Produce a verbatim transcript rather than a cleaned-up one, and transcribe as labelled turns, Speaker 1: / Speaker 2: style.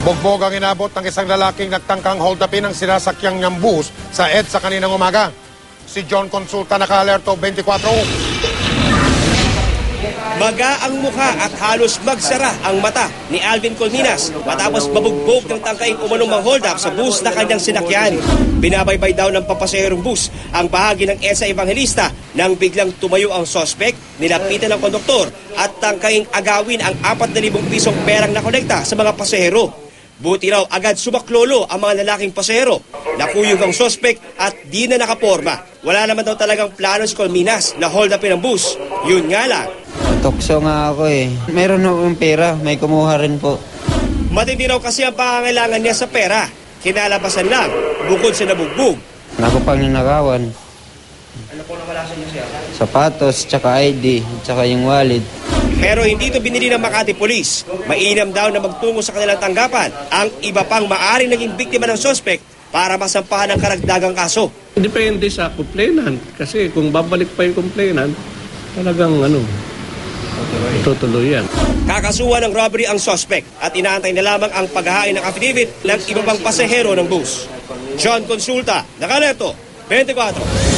Speaker 1: Bugbog ang inabot ng isang lalaking nagtangkang hold upin ang sinasakyang niyang bus sa EDSA kaninang umaga. Si John Consulta naka-alerto twenty-four.
Speaker 2: Maga ang mukha at halos magsara ang mata ni Alvin Colminas matapos mabugbog ng tangkaing umanong mang hold up sa bus na kanyang sinakyan. Binabaybay daw ng papasaherong bus ang bahagi ng EDSA Evangelista nang biglang tumayo ang sospek, nilapitan ng konduktor at tangkaing agawin ang apat na libong pisong perang nakolekta sa mga pasahero. Buti raw agad sumaklolo ang mga lalaking pasahero. Nakuyog ang sospek at di na nakaporma. Wala naman daw talagang plano si Colminas na hold upin ang bus. Yun nga lang.
Speaker 3: Tukso nga ako eh. Meron akong pera, may kumuha rin po.
Speaker 2: Matindi raw kasi ang pangangailangan niya sa pera. Kinalabasan lang, bukod sa nabugbog.
Speaker 3: Ako pang ninakawan.
Speaker 2: Ano po nawala sa inyo siya?
Speaker 3: Sapatos, tsaka I D, tsaka yung wallet.
Speaker 2: Pero hindi ito binili ng Makati Police. Mainam daw na magtungo sa kanilang tanggapan ang iba pang maaring naging biktima ng sospek para masampahan ng karagdagang kaso.
Speaker 4: Depende sa complainant. Kasi kung babalik pa yung complainant, talagang ano, tutuloy yan.
Speaker 2: Kakasuhan ng robbery ang sospek at inaantay na lamang ang paghahain ng affidavit ng iba pang pasahero ng bus. John Consulta, Nakalerto, twenty-four.